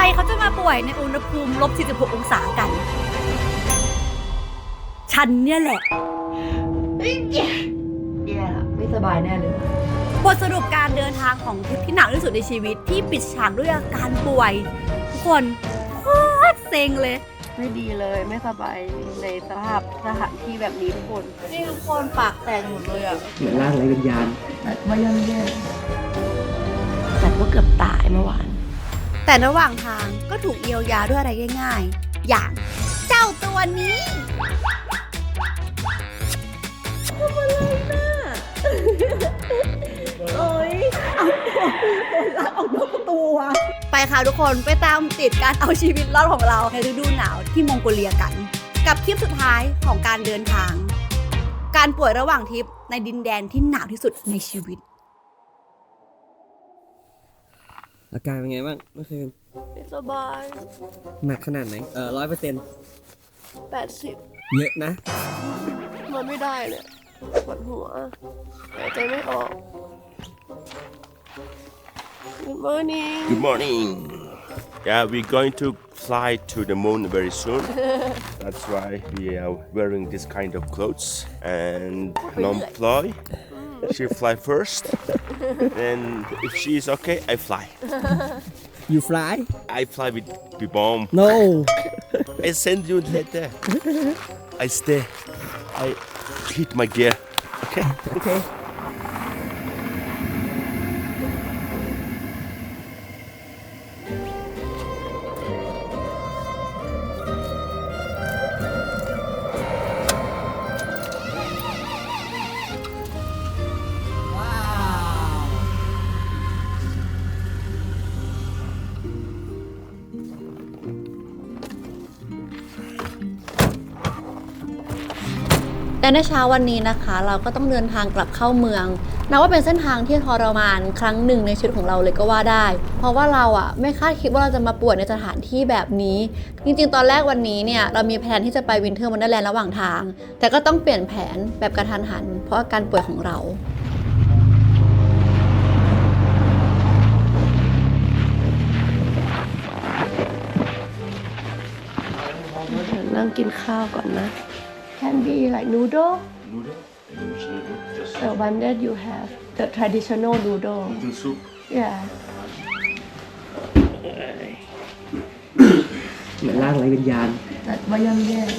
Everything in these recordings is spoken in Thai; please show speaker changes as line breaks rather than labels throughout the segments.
เขาจะมาป่วยในอุณหภูมิ-46 องศากันฉันเนี่ยแหละ
แย่ละไม่สบายแน่เลย
บทสรุปการเดินทางของทริปที่หนักที่สุดในชีวิตที่ปิดฉากด้วยอาการป่วยทุกคนโคตรเซ็งเลย
ไม่ดีเลยไม่สบายในสถานที่แบบนี้ทุกคนนี่ทุกคนปากแตกหมดเลยอ่ะ
เหมือนร่างไร้วิญญาณ
มาย่ำแย่แต่ว่าเกือบตายเมื่อวาน
แต่ระหว่างทางก็ถูกเยียวยาด้วยอะไรง่ายๆอย่างเจ้าตัวนี้
ทำอะไรน่ะโอ๊ยเอาตัวรักออกนอกตัว
ไปค่ะทุกคนไปตามติดการเอาชีวิตรอดของเราในฤดูหนาวที่มองโกเลียกันกับทริปสุดท้ายของการเดินทางการป่วยระหว่างทริปในดินแดนที่หนาวที่สุดในชีวิต
อาการเป็นไงบ้างเมื่อคืน
ไม่สบาย
หนักขนาดไหน100%
80
เยอะนะ
มันไม่ได้เลยปวดหัวหายใจไม่ออก Good morning
Good morning. Yeah, we're going to fly to the moon very soon. That's why we are wearing this kind of clothes. And non-fly, she fly first. Then if she is okay, I fly.
You fly
I fly with the bomb.
No
I send you later. I stay. I hit my gear. Okay.
Okay
และในเช้าวันนี้นะคะเราก็ต้องเดินทางกลับเข้าเมืองนับว่าเป็นเส้นทางที่ทรมานครั้งหนึ่งในชีวิตของเราเลยก็ว่าได้เพราะว่าเราไม่คาดคิดว่าเราจะมาป่วยในสถานที่แบบนี้จริงๆตอนแรกวันนี้เนี่ยเรามีแผนที่จะไปวินเทอร์วันเดอร์แลนด์ระหว่างทางแต่ก็ต้องเปลี่ยนแผนแบบกระทันหันเพราะอาการป่วยของเรา
นั่งกินข้าวก่อนนะ Can be like noodle the one that you have the traditional noodle
soup.
yeah
เหมือนร่างไร้วิญญาณ
แต่ว่าย่ำแย่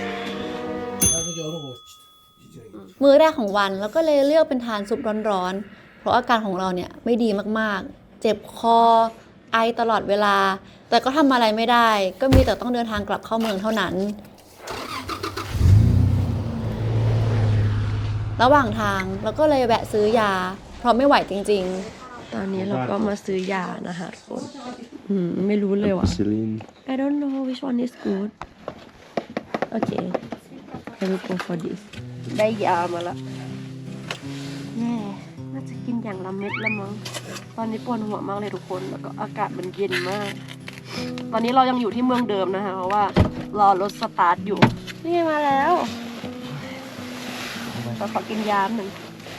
มื้อแรกของวันเราก็เลยเลือกเป็นทานซุปร้อนๆเพราะอาการของเราเนี่ยไม่ดีมากๆเจ็บคอไอตลอดเวลาแต่ก็ทำอะไรไม่ได้ก็มีแต่ต้องเดินทางกลับเข้าเมืองเท่านั้นระหว่างทางเราก็เลยแวะซื้อยาเพราะไม่ไหวจริง
ๆตอนนี้เราก็มาซื้อยานะคะทุกคนไม่รู้เลยว่ะ I don't know which one is good okay I will go for this ได้ยามาละแน่น่าจะกินอย่างละเม็ดละมั้งตอนนี้ปวดหัวมากเลยทุกคนแล้วก็อากาศมันเย็นมากตอนนี้เรายังอยู่ที่เมืองเดิมนะคะเพราะว่ารอรถสตาร์ทอยู่นี่ไงมาแล้วเราขอกินยาหนึ่ง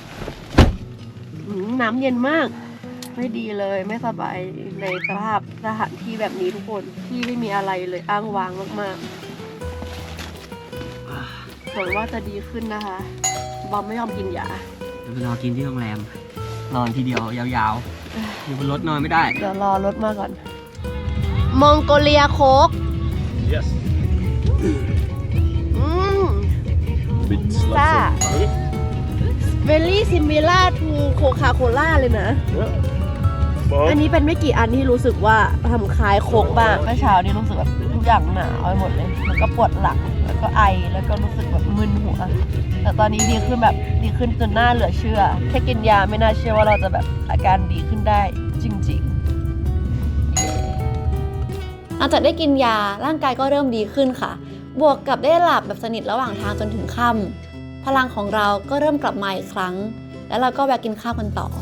น้ำเย็นมากไม่ดีเลยไม่สบายในสถานที่แบบนี้ทุกคนที่ไม่มีอะไรเลยอ้างว้างมากๆหวังว่าจะดีขึ้นนะคะบอมไม่ยอมกินยา
ไปรอกินที่โรงแรมนอนทีเดียวยาวๆอยู่บนรถนอนไม่ได้
เดี๋ยวรอรถมาก่อนมองโกเลียโค้ก
Yes.
ซ่า very similar to Coca-Cola เลยนะอันนี้เป็นไม่กี่อันที่รู้สึกว่าทำคล้ายโค้กบ้างเมื่อเช้านี้รู้สึกแบบทุกอย่างหนาวไปหมดเลยแล้วก็ปวดหลังแล้วก็ไอแล้วก็รู้สึกแบบมึนหัวแต่ตอนนี้ดีขึ้นจนน่าเหลือเชื่อแค่กินยาไม่น่าเชื่อว่าเราจะแบบอาการดีขึ้นได้จริง
หลังจากได้กินยาร่างกายก็เริ่มดีขึ้นค่ะบวกกับได้หลับแบบสนิทระหว่างทางจนถึงค่ำพลังของเราก็เริ่มกลับมาอีกครั้งแล้วเราก็แวะกินข้าวกันต่อ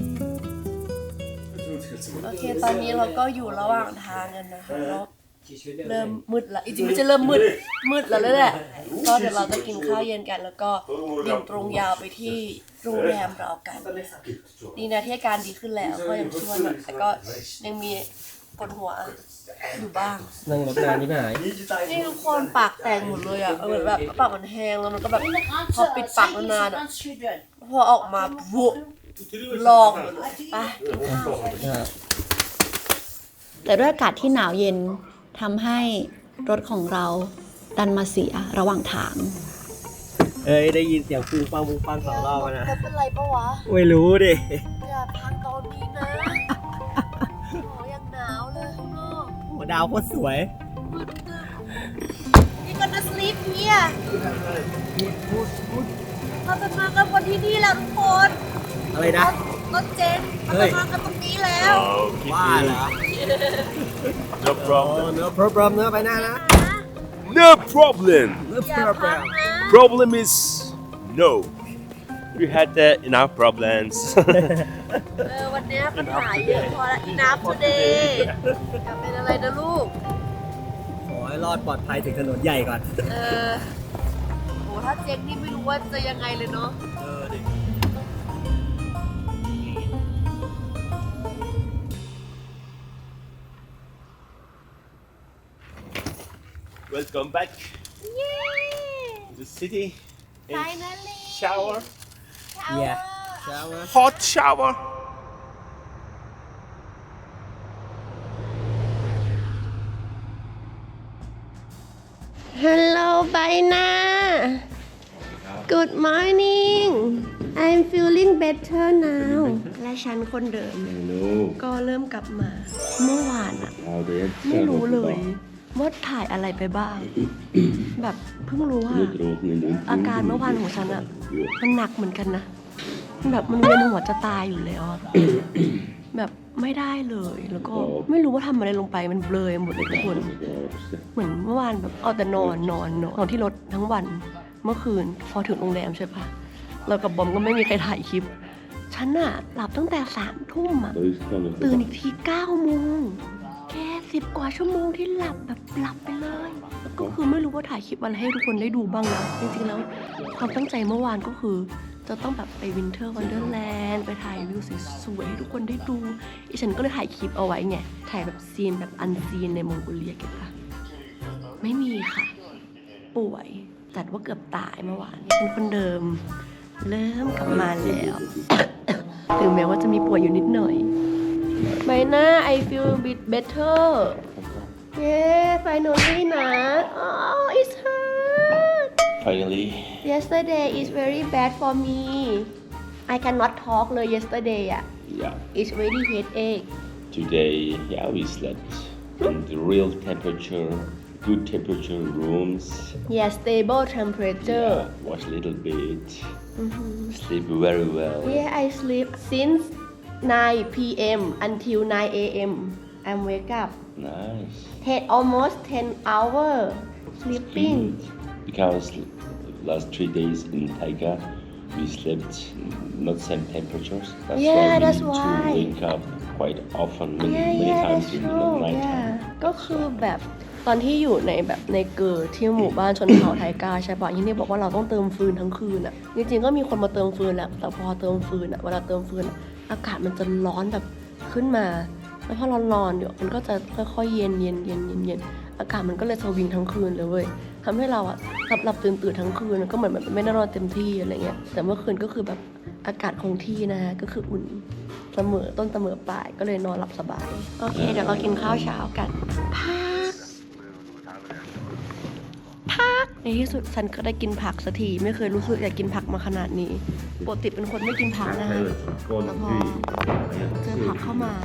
โอเคตอนนี้เราก็อยู่ระหว่างทางกันนะคะแล้วเริ่มมืดละจริงๆไม่ใช่เริ่มมืดแล้วแหละก็เดี๋ยวเราจะกินข้าวเย็นกันแล้วก็บินตรงยาวไปที่โรงแรมเรากันดีนะที่อาการดีขึ้นแล้วก็ยังชั่วหน่อยแต่ก็ยังมีปวดหัวอยู่บ้าง
นั่งรถนานนี่หาย
นี่ทุกคนปากแตกหมดเลยอ่ะเหมือนแบบปากมันแห้งแล้วมันก็แบบพอปิดปากนานๆอ่ะพอออกมาบุลองหมดเลยไปกินข้าว
แต่ด้วยอากาศที่หนาวเย็นทำให้รถของเราดันมาเสียระหว่างทาง
เอ้ยได้ยินเสียงฟูฟังสองรอบนะ
เป็นไรปะวะ
ไม่รู้ดิ
อย่าพังตอนนี้นะโอ้ยังหนาวเลยข้างนอก
หัวดาวโคตรสวย
นี่ก็จะสลีปเนี่ยเราจะมากันวันที่นี่แล้วทุกคน
อะไรนะ
รถเจนเราจะมากันตรงนี้แล้ว
ว่าเหรอ
No problem.
เนื้อพร้อมเนื้อไปหน้านะ
No problem.
เนื้อ
อย่า
พร้อ
พัง
ม
นะ
Problem is no. We had enough problems.
วันนี้ปัญหาเยอะพอละนับ today อย่าเป็นอะไรนะลูก
ขอให้รอดปลอดภัยถึงถนนใหญ่ก่อน
โหถ้าเจ๊งนี่ไม่รู้ว่าจะยังไงเลยเนาะ
ดิ
Welcome back
เย้
to the city. In
finally
shower.
Yeah. shower
Hot shower.
Hello Baina Good morning I'm feeling better now และฉันคนเดิม
No.
ก็เริ่มกลับมา เมื่อวานอะไม่รู้เลยว่าถ่ายอะไรไปบ้าง แบบเพิ่งรู้ว่าอาการเมื่อวานของฉันอะมันหนักเหมือนกันนะ แบบมันเวียนหัวจะตายอยู่แล้วอะ แบบไม่ได้เลยแล้วก็ไม่รู้ว่าทำอะไรลงไปมันเบลอหมดเลยทุกคน เหมือนเมื่อวานแบบเอาแต่นอนที่รถทั้งวันเมื่อคืนพอถึงโรงแรมใช่ปะเรากับบอมก็ไม่มีใครถ่ายคลิป ฉันอะหลับตั้งแต่3 ทุ่มอะตื่นอีกที9 โมงแค่10 กว่าชั่วโมงที่หลับแบบหลับไปเลยก็คือไม่รู้ว่าถ่ายคลิปอะไรให้ทุกคนได้ดูบ้างนะจริงๆแล้วความตั้งใจเมื่อวานก็คือจะต้องแบบไปวินเทอร์วันเดอร์แลนด์ไปถ่ายวิวสวยๆให้ทุกคนได้ดูอีฉันก็เลยถ่ายคลิปเอาไว้ไงถ่ายแบบซีนแบบอันซีนในมองโกเลียเก็บปะไม่มีค่ะ ป่วยจัดว่าเกือบตายเมื่อวานเป็นคนเดิมเริ่มกลับมาแล้ว ถึงแม้ว่าจะมีป่วยอยู่นิดหน่อยใบหน้า I feel a bit better yeah finally นะ oh it's hurt
Finally.
yesterday is very bad for me I cannot talk เลย yesterday อ่ะ
Yeah.
it's very headache
Today, yeah, we slept in the real temperature, good temperature rooms.
yeah stable temperature
Yeah, watch a little bit. Sleep very well.
yeah I sleep since 9 p.m. until 9 a.m. I'm wake up
Nice.
almost 10 hours sleeping
Because last 3 days in Taiga, we slept not same temperatures. That's
Yeah,
why we
that's
need
why.
to wake up quite often, many
yeah
times
that's
in the
true
night
yeah
time.
ก็คือแบบตอนที่อยู่ในแบบในเกิดที่หมู่บ้านชนเผ่าไทกาใช่ปะที่นี่บอกว่าเราต้องเติมฟืนทั้งคืนอ่ะจริงๆก็มีคนมาเติมฟืนแหละแต่พอเติมฟืนอ่ะเวลาเติมฟืนอะอากาศมันจะร้อนแบบขึ้นมาแล้วพอร้อนๆเดี๋ยวมันก็จะค่อยๆเย็นอากาศมันก็เลยสวิงทั้งคืนเลยเว้ยทำให้เราอ่ะหลับตื่นทั้งคืนก็เหมือนแบบไม่ได้นอนเต็มที่อะไรเงี้ยแต่เมื่อคืนก็คือแบบอากาศคงที่นะฮะก็คืออุ่นเสมอต้นเสมอปลายก็เลยนอนหลับสบายโอเคเดี๋ยวเรากินข้าวเช้ากันพักในที่สุดฉันก็ได้กินผักสักทีไม่เคยรู้สึกอยากกินผักมาขนาดนี้ปกติเป็นคนไม่กินผักนะฮะแต่พอเจอผักเข้ามา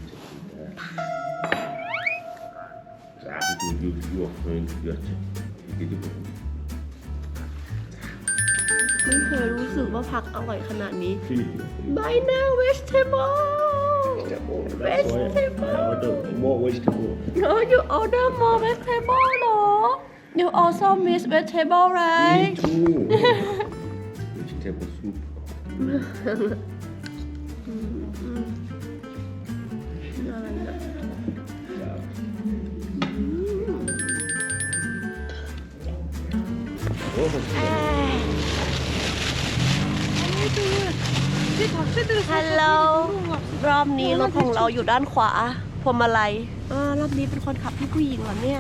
ไม่เคยรู้สึกว่าผักอร่อยขนาดนี้ By now vegetable
More vegetable.
No you order more vegetable เหรอ You also miss vegetable right
too. Vegetable soup.
อะไรนะ ฮัลโหลรอบนี้รถของเราอยู่ด้านขวาพวงมาลัยรอบนี้เป็นคนขับพี่ผู้หญิงเหรอเนี่ย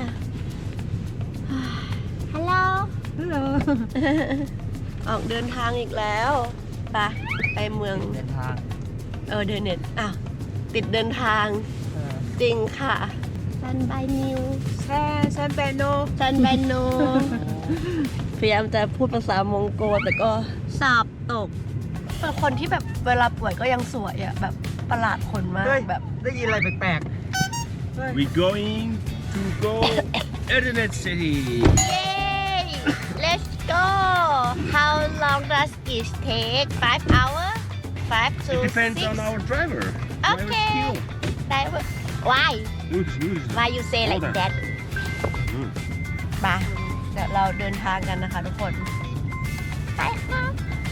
ฮัลโหล
ฮัลโหล ออกเดินทางอีกแล้วไปเมือง
เดินทาง
เดินเน็ตติดเดินทางจริงค่ะ
ซันบายนิว
ซันเบโน
ซันบายโน
พยายามจะพูดภาษามองโกแต่ก็
สอบตก
เป็นคนที่แบบเวลาป่วยก็ยังสวยอะแบบประหลาดคนมาก
เฮ้ย
แบบ
ได้ยินอะไรแปลก
We going to go Internet City.
Yay let's go how long does it take 5 hours 5 to
It depends
6
on our driver.
Okay. driver why why you say like that
มาเดี๋ยวเราเดินทางกันนะคะทุกคน
ไปครับ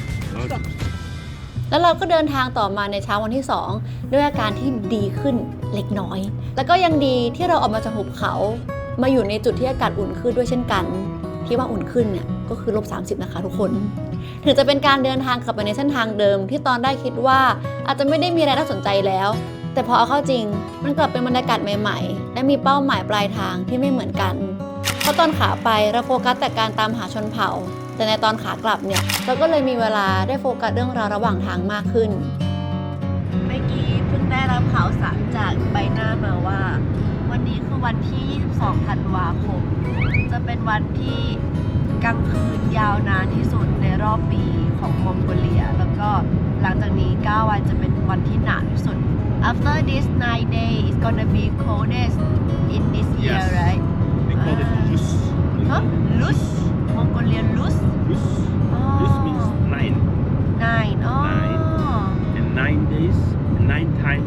แล้วเราก็เดินทางต่อมาในเช้าวันที่ 2 ด้วยอาการที่ดีขึ้นเล็กน้อย แล้วก็ยังดีที่เราออกมาจากหุบเขามาอยู่ในจุดที่อากาศอุ่นขึ้นด้วยเช่นกัน ที่ว่าอุ่นขึ้นเนี่ยก็คือ-30นะคะทุกคน ถึงจะเป็นการเดินทางกลับไปในเส้นทางเดิมที่ตอนได้คิดว่าอาจจะไม่ได้มีอะไรน่าสนใจแล้ว แต่พอเอาเข้าจริงมันกลับเป็นบรรยากาศใหม่ๆ และมีเป้าหมายปลายทางที่ไม่เหมือนกัน เพราะตอนขาไปเราโฟกัสแต่การตามหาชนเผ่า แต่ในตอนขากลับเนี่ยเราก็เลยมีเวลาได้โฟกัสเรื่องราวระหว่างทางมากขึ้น
เมื่อกี้เพิ่งได้รับข่าวสารจากใบหน้ามาว่า วันนี้คือวันที่ 22 ธันวาคม จะเป็นวันที่กลางคืนยาวนานที่สุดในรอบปีของมองโกเลีย แล้วก็หลังจากนี้ 9 วันจะเป็นวันที่หนาวที่สุด After this 9 days it's gonna be coldest in this year
Yes.
right
We call it Lus.
Lus มองโกเลีย Lus
Lus. Lus means 9.
9อ๋อ
And 9 days, 9 time,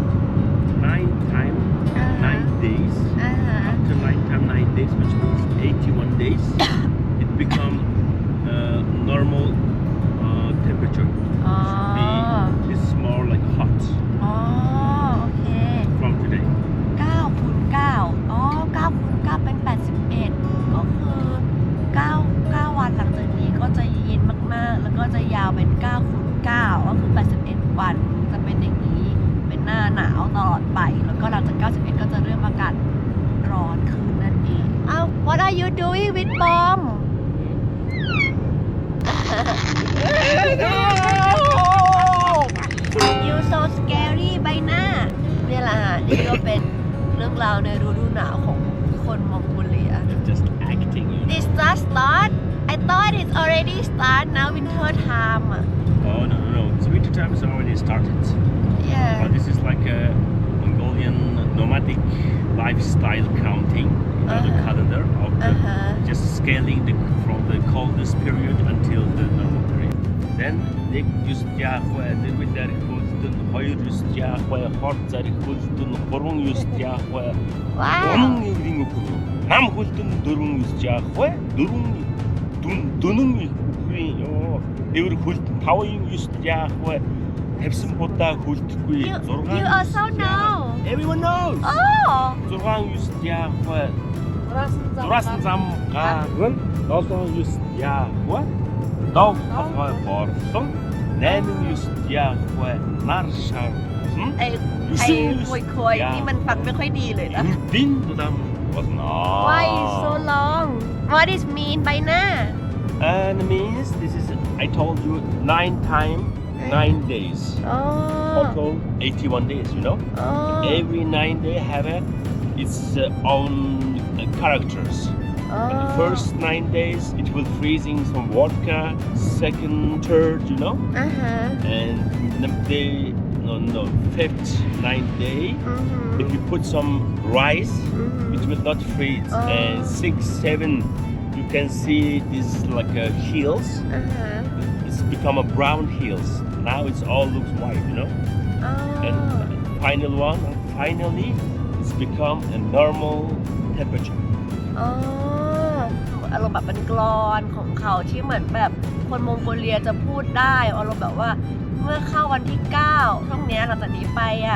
9 days. After 9 days, which means 81 days, it become normal temperature.
อ๋อ
It's more like hot
อ๋อ โอเค
from today.
9 คูณ 9 อ๋อ 9 คูณ 9 เป็น 81 ก็คือ 9 วันหลังจากนี้ก็จะเย็นมากๆ แล้วก็จะยาวเป็น 9 คูณ 9 ก็คือ 81 วัน จะเป็นอย่างนี้ เป็นหน้าหนาวตลอดไป แล้วก็หลังจาก 91 ก็จะเริ่มอากาศร้อนขึ้นนั่นเองอ้าว What are you doing with bomb You so scary ใบหน้าเนี่ยแหละฮะนี่ก็เป็นเรื่องราวในฤดูหนาวของคนมองโกเลีย
You're just acting.
This just start I thought it's already start now winter time
Oh no. So winter time is already started.
Yeah
But this is like a Mongolian nomadic lifestyle counting, the calendar of the, just scaling from the coldest period until the normal period. Then they use Yahweh, then with their Hulton, Hoyer use Yahweh, Hort Zarik Hulton, Horung use Yahweh,
Wow
Horung using Nam Hulton, Durung use Yahweh, Durung Dunung they will Hulton, Power use Yahweh, have some Hota Hultui,
You also know
Everyone knows.
Oh
Zorang use Yahweh. Zorasan Zamgagun. Also use Yahweh. Dog Hazway Borson. Namin use Yahweh. Narshar.
ไอ้ควยๆนี่มันฟังไม่ค่อยดีเลยนะ
Din to them was not.
Why so long What is mean ใบหน้า
And means this is, I told you, 9 times 9 days.
อ๋อ
Total 81 days, you know?
อ๋อ
Every 9 day have its own characters. And the first 9 days it will freezing some vodka. Second, third, you know.
อ่าฮะ
And the day, no, fifth, 9th day,
อือหือ
if you put some rice,
อือหือ
it will not freeze.
Oh.
And 6, 7, you can see this like heels.
อ่าฮะ
It's become a brown heels. Now it's all looks white, you know.
อ๋อ
And final one, finally, it's become a normal temperature.
อ๋ออารมณ์แบบเป็นกลอนของเขาที่เหมือนแบบคนมองโกเลียจะพูดได้อารมณ์แบบว่าเมื่อเข้าวันที่ 9 ช่วงเนี้ยหลังจากนี้ไปอ่ะ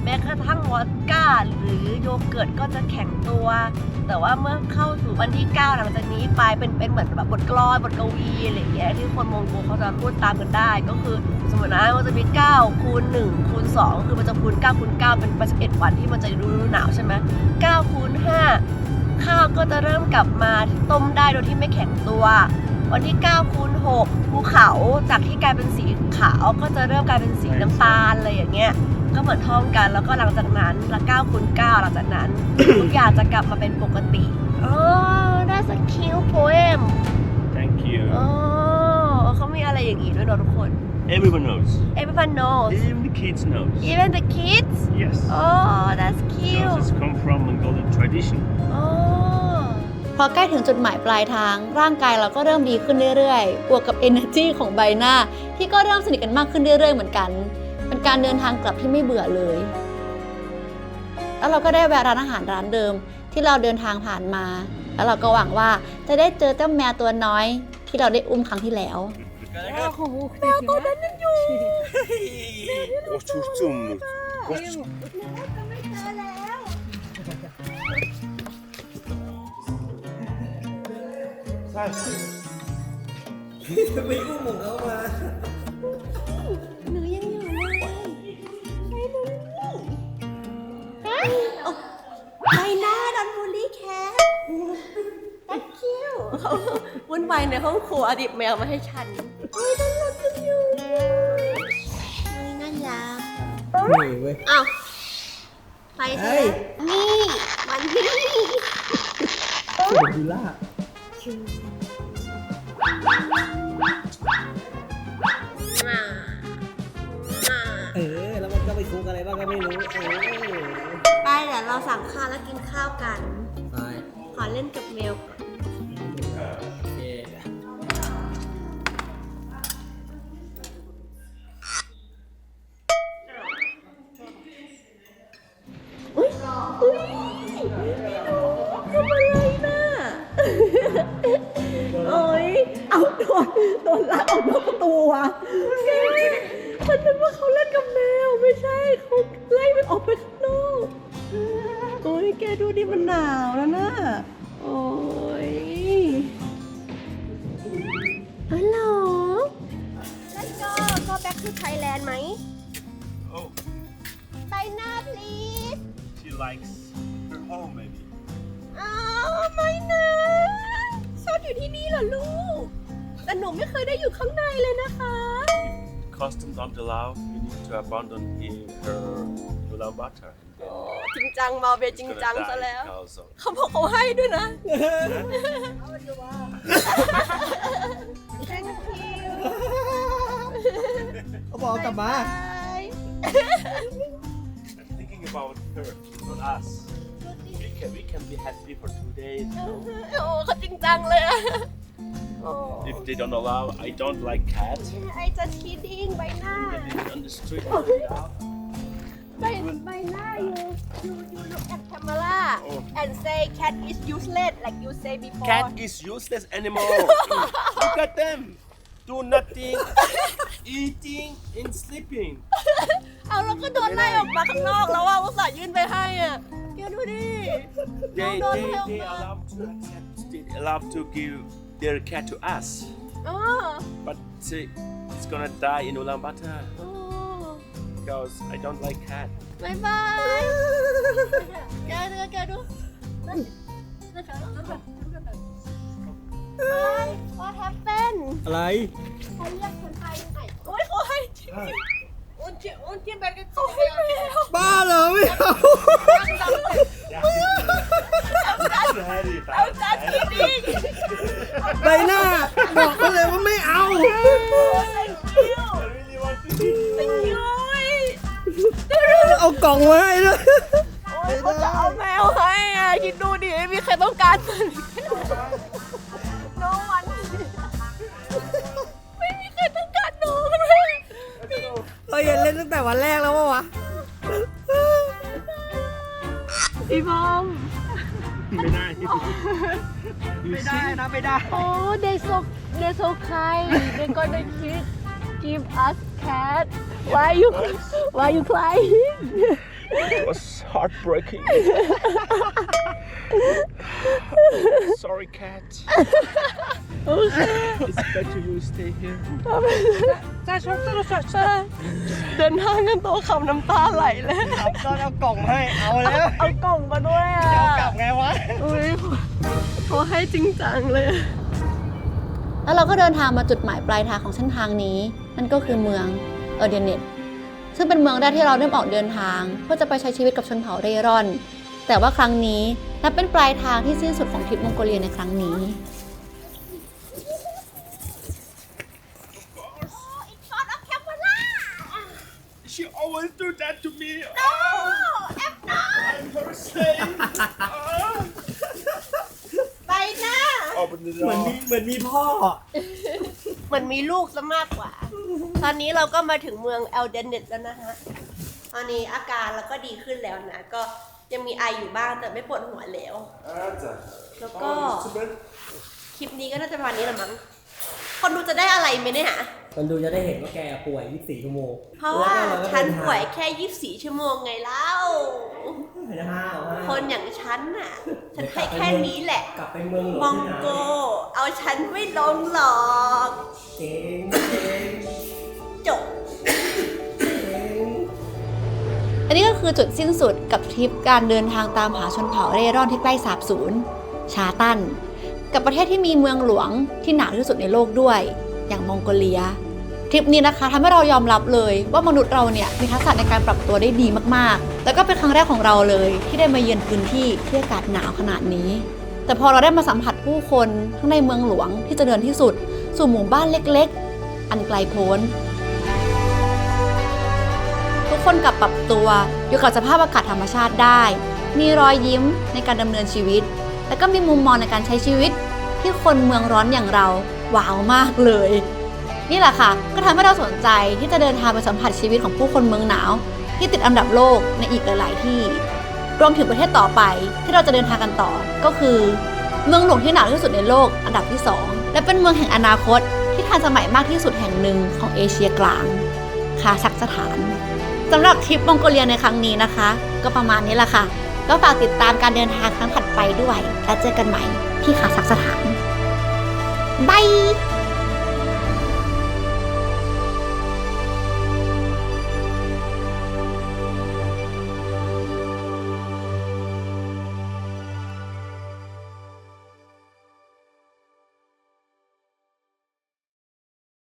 แม้กระทั่งวอดก้าหรือโยเกิร์ตก็จะแข็งตัว แต่ว่าเมื่อเข้าสู่วันที่ 9 หลังจากนี้ไปเป็นเหมือนแบบบทกลอนบทกวีอะไรอย่างเงี้ยที่คนมองโกเขาจะพูดตามกันได้ ก็คือสมมตินะมันจะมี9คูณ1คูณ2คือมันจะคูณ9คูณ9เป็น11วันที่มันจะฤดูหนาวใช่ไหม9คูณ5ข้าวก็จะเริ่มกลับมาต้มได้โดยที่ไม่แข็งตัว วันที่9คูณ6ภูเขาจากที่กลายเป็นสีขาวก็จะเริ่มกลายเป็นสีน้ำตาลอะไรอย่างเงี้ยก็เหมือนท่องกันแล้วก็หลังจากนั้นละ9คูณ9หลังจากนั้น ทุกอย่างจะกลับมาเป็นปกติอ๋อ that's a cute poem
Thank you
อ๋อเขามีอะไรอย่างงี้ด้วยเนอะทุกคน
Everyone knows
everyone knows
Even the kids knows
even the kids
Yes
oh that's
Because
cute
it's come from Mongolian tradition
อ๋อ
พอใกล้ถึงจุดหมายปลายทางร่างกายเราก็เริ่มดีขึ้นเรื่อยๆบวกกับ energy ของใบหน้าที่ก็เริ่มสนิทกันมากขึ้นเรื่อยๆเหมือนกันเป็นการเดินทางกลับที่ไม่เบื่อเลยแล้วเราก็ได้แวะร้านอาหารร้านเดิมที่เราเดินทางผ่านมาแล้วเราก็หวังว่าจะได้เจอเจ้าแมวตัวน้อยที่เราได้อุ้มครั้งที่แล้ว
แมวตัวนั้นยังอยู่
Oturttum
ก็ไม่เจอแล้ว
ไปอุ้มของเขามา
หนูยังอยู่เลยไปดูไปหน้าดันบูลลี่แคทตัดคิวเขาวุ่นวายในห้องครัวอดีตแมวมาให้ฉันโอ้ยดันรักจังอยู่น่ารัก
นี่เว้ย
อ้าวไปใช่ไหมนี่มันนี่
สุดดูล่าแล้วมันก็ไปคุกอะไรบ้างก็ไม่รู้
ไปเดี๋ยวเราสั่งข้าวแล้วกินข้าวกัน
ไป
ขอเล่นกับแมว
โอเค
อุ้ยทำอะไรน่ะโอ้ยเอาโดนลากออกนอกประตูอ่ะแกฉันนึกว่าเขาเล่นกับแมวไม่ใช่เขาไล่มันออกไปข้างนอกโอ้ยแกดูดิมันหนาวแล้วนะโอ้ยฮัลโหลแล้วก็ back to Thailand ไหม
Oh
ไปหน้า please
She likes her home maybe
อ้าวไม่นะชอบอยู่ที่นี่เหรอลูกแต่หนูไม่เคยได้อยู่ข้างในเลยนะคะ
Customs don't allow you need to abandon her Ulaanbaatar
จริงจังมาเบจริงจังซะแล้ว
because of
เขาบอกเขาให้ด้วยนะ Thank you
เขาบอกกลับมา
thinking about her not us we can be happy for 2 days you know
โอ้เขาจริงจังเลยอะโอ้
if they don't allow I don't like cats
I just kidding ใบหน้า
on the street
ใบหน้า you look at camera and say cat is useless like you say before
cat is useless animal look at them do nothing eating and sleeping
เอาแล้วก็โดนไล่ออกมาข้างนอกแล้วว่าอุตส่าห์ยื่นไปให้อ่ะแกดูดิ
they
โดนไล่ออก
they
มา
allow to give their cat to us
อ๋อ
but it's gonna die in Ulaanbaatar
อ๋อ
because I don't like cat
บายบายแกดู What happened
อะไร
เขาเรียกคนไทยไหนโอ้ยเขาให้อุ้นเทียนแบบเขาให้แมว
บ้าเหรอไม่เอา
เอาจัดที่นี่
ใบหน้าบอกเขาเลยว่าไม่เอา เอากล่องมาให้ด้วย
เขาจะเอาแมวให้อ่ะคิดดูดิไม่มีใครต้องการมัน No one ไม่มีใครต้องการน้องเลย
เราอย่าเล่นตั้งแต่วันแรกแล้ววะ
พี่บอม
ไม่ได้
ไม่ได้นะไม่ได้
Oh they so kind they gonna give us cat why you crying
It was heartbreaking. Sorry, cat. It's better you stay here.
เดินทางกันตัวขำน้ำตาไหลเลย
ก็เอากล่องให้เอาแล้ว
เอากล่องมาด้วยอ่ะ
จะเอากลับไงวะ
อุ้ยเขาให้จริงจังเลย
แล้วเราก็เดินทางมาจุดหมายปลายทางของเส้นทางนี้ นั่นก็คือเมืองเออร์เดเนตซึ่งเป็นเมืองแรกที่เราเริ่มออกเดินทางเพื่อจะไปใช้ชีวิตกับชนเผ่าเร่ร่อน แต่ว่าครั้งนี้นับเป็นปลายทางที่สิ้นสุดของทริปมองโกเลียในครั้งนี้
She always do that to me. No, I'm not. I'm her slave.
ไปนะ
Open the
เหมือน
door.
มีพ่อ
เหมือนมีลูกซะมากกว่า ตอนนี้เราก็มาถึงเมืองเอลเดนเนตแล้วนะฮะ ตอนนี้อาการเราก็ดีขึ้นแล้วนะ ก็ยังมีไออยู่บ้างแต่ไม่ปวดหัวแล้ว แล้วก็คลิปนี้ก็น่าจะประมาณนี้แหละมั้ง คนดูจะได้อะไรไหมเนี่ย
คนดูจะได้เห็นว่าแกป่วย 24 ชั่วโมง
เพราะว่าฉันป่วยแค่ 24 ชั่วโมงไงเล่า คนอย่างฉันน่ะ ฉันให้แค่นี้แหละ
กลับไปเมืองหลวง
มองโก เอาฉันไม่ลงหรอก
เก่ง
จบ
อันนี้ก็คือจุดสิ้นสุดกับทริปการเดินทางตามหาชนเผ่าเร่ร่อนที่ใกล้สาบสูญชาตัน กับประเทศที่มีเมืองหลวงที่หนาวที่สุดในโลกด้วยอย่างมองโกเลีย ทริปนี้นะคะทำให้เรายอมรับเลยว่ามนุษย์เราเนี่ยมีทักษะในการปรับตัวได้ดีมากๆ แล้วก็เป็นครั้งแรกของเราเลยที่ได้มาเยือนพื้นที่ที่อากาศหนาวขนาดนี้ แต่พอเราได้มาสัมผัสผู้คนทั้งในเมืองหลวงที่เจริญที่สุดสู่หมู่บ้านเล็กๆ อันไกลโพ้น ทุกคนกลับปรับตัวอยู่กับสภาพอากาศธรรมชาติได้ มีรอยยิ้มในการดำเนินชีวิต และก็มีมุมมองในการใช้ชีวิตที่คนเมืองร้อนอย่างเราว้าวมากเลย นี่แหละค่ะก็ทำให้เราสนใจที่จะเดินทางไปสัมผัสชีวิตของผู้คนเมืองหนาวที่ติดอันดับโลกในอีกหลายๆที่ รวมถึงประเทศต่อไปที่เราจะเดินทางกันต่อก็คือเมืองหลวงที่หนาวที่สุดในโลกอันดับที่ 2 และเป็นเมืองแห่งอนาคตที่ทันสมัยมากที่สุดแห่งหนึ่งของเอเชียกลางคาซัคสถานสำหรับทริปมองโกเลียในครั้งนี้นะคะ ก็ประมาณนี้แหละค่ะก็ฝากติดตามการเดินทางครั้งถัดไปด้วยแล้วเจอกันใหม่ที่คาซัคสถานบาย